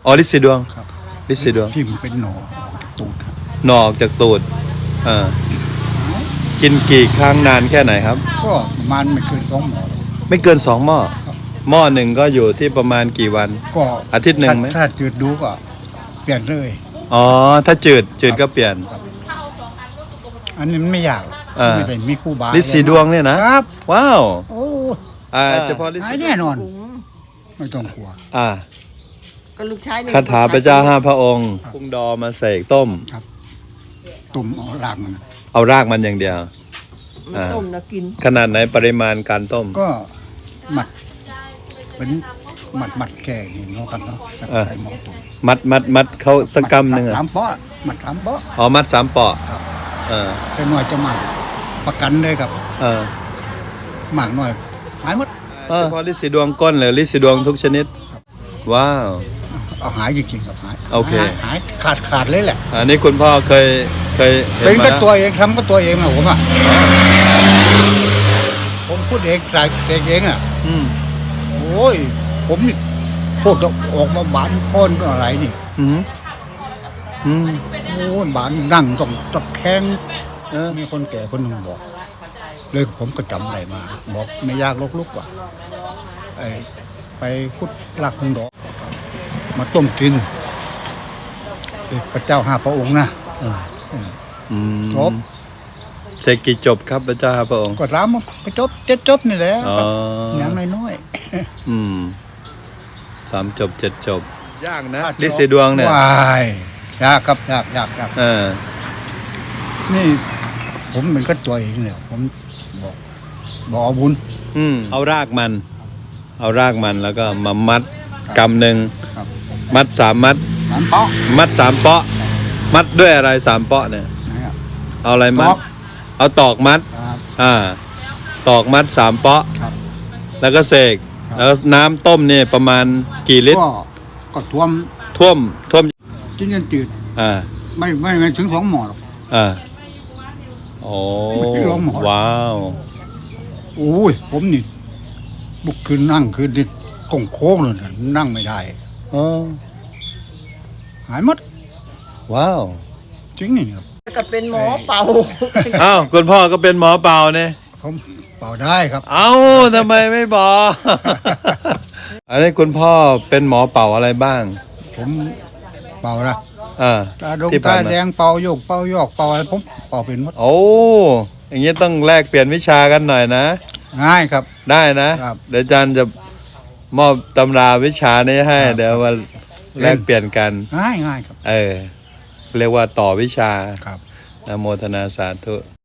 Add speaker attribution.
Speaker 1: อ๋อลิซีดวง
Speaker 2: ครับ
Speaker 1: ลิซีดวง
Speaker 2: ที่มันเป็นหนอออกจากตูดครับ
Speaker 1: หนอออกจากตูดกินกี่ครั้งนานแค่ไหนครับ
Speaker 2: ก็ประมาณไม่เกิน2 หมอหรอก
Speaker 1: ไม่เกิน2 หม้อหม้อหนึ่งก็อยู่ที่ประมาณกี่วัน
Speaker 2: ก็
Speaker 1: อาทิตย์หนึ่งไหม
Speaker 2: ถ้าจืดดูก็เปลี่ยนเลย
Speaker 1: อ๋อถ้าจืดก็เปลี่ยน
Speaker 2: อันนี้มันไม่ยากไม่ได้มีครูบา
Speaker 1: ลิซีดวงเนี่ยนะครับว้าว
Speaker 2: โอ้
Speaker 1: เฉพาะลิซี
Speaker 2: แน่นอนไม่ต้องกลัว
Speaker 3: ก็ลูกชาย
Speaker 1: คาถาพระเจ้า5 พระองค์พุ่งดอมาเสกต้ม
Speaker 2: ครับต้มเอารากมัน
Speaker 1: อย่างเดียว
Speaker 3: ต้มแล้วกิน
Speaker 1: ขนาดไหนปริมาณการต้ม
Speaker 2: ก็หมัดเป็นหมัดแก่นี่เนาะครับเนาะใส่หม้อต้ม
Speaker 1: มัดเขาสักกำหนึ่ง
Speaker 2: 3 เปาะหมัด3 เปาะ
Speaker 1: อ๋อมัด3 เปาะ
Speaker 2: แต่หน่อยจะหมัดประกันเลยครับหมักหน่อยหายหมด
Speaker 1: เฉพาะลิซีดวงก้นหรือลิซีดวงทุกชนิดว้าว
Speaker 2: เอาหายจริงๆครับหาย
Speaker 1: โอเค
Speaker 2: หายขาดเลยแหละ
Speaker 1: อันนี้คุณพ่อเคย
Speaker 2: เป็นก็ตัวเองทำก็ตัวเองนะผมพูดเองใส่เองโอ้ยผมนี่พูดออกมาบานพ้นอะไรนี่โอ้ยบานนั่งต้องตะแคงมีคนแก่คนหนึ่งบอกเลยผมก็จำได้มาบอกไม่ยากลุกว่าไปพุทธลักษ์ดอกมาต้มกินพระเจ้า5 พระองค์นะจบ
Speaker 1: เสกกี่จบครับพระเจ้า5 พระองค์
Speaker 2: ก็3 จบ7 จบนี่แหละอย่างน้อย
Speaker 1: 3 จบ 7 จบยากนะลิซีดวงเนี่ย
Speaker 2: ว้ายยากครับยากนี่ผมเป็นก็ตัวเองเนี่ยผมบอกเอาบุญ
Speaker 1: เอารากมันแล้วก็มามัดกำหนึ่งมัด3 มัด
Speaker 2: 3 เปาะ
Speaker 1: มัด3 เปาะมัดด้วยอะไร3 เปาะเนี่ยเอาอะไรมัดเอาตอกมัดตอกมัด3 เปาะแล้วก็เสกแล้วน้ำต้มเนี่ยประมาณกี่ลิตร
Speaker 2: ก็ท่วมจิ้นยันจืดไม่ถึง2 หม้อหรอก
Speaker 1: โอ้ว้าว
Speaker 2: โอ้ยผมนี่บุกขึ้นนั่งขึ้นดิโค้งเลยนั่งไม่ได้หายหมด
Speaker 1: ว้าว
Speaker 2: จริงนี่ครับ
Speaker 3: ก็เป็นหมอเป่า
Speaker 1: อ้าวคุณพ่อก็เป็นหมอเป่าเนี่ย
Speaker 2: ผมเป่าได้ครับ
Speaker 1: เอ้าทำไมไม่บอกอันนี้คุณพ่อเป็นหมอเป่าอะไรบ้าง
Speaker 2: ผมเป่านะตาดงตาแดงเป่าโยกเป่ายอกเป่าอะไรผมเป่าเป็นหมด
Speaker 1: โอ้อย่างนี้ต้องแลกเปลี่ยนวิชากันหน่อยนะ
Speaker 2: ง่ายครับ
Speaker 1: ได้นะเดี๋ยวอาจารย์จะมอบตำราวิชานี้ให้เดี๋ยวมาแลกเปลี่ยนกัน
Speaker 2: ง่ายครับ
Speaker 1: เรียกว่าต่อวิชา
Speaker 2: ครับ
Speaker 1: นะโมทนาสาธุ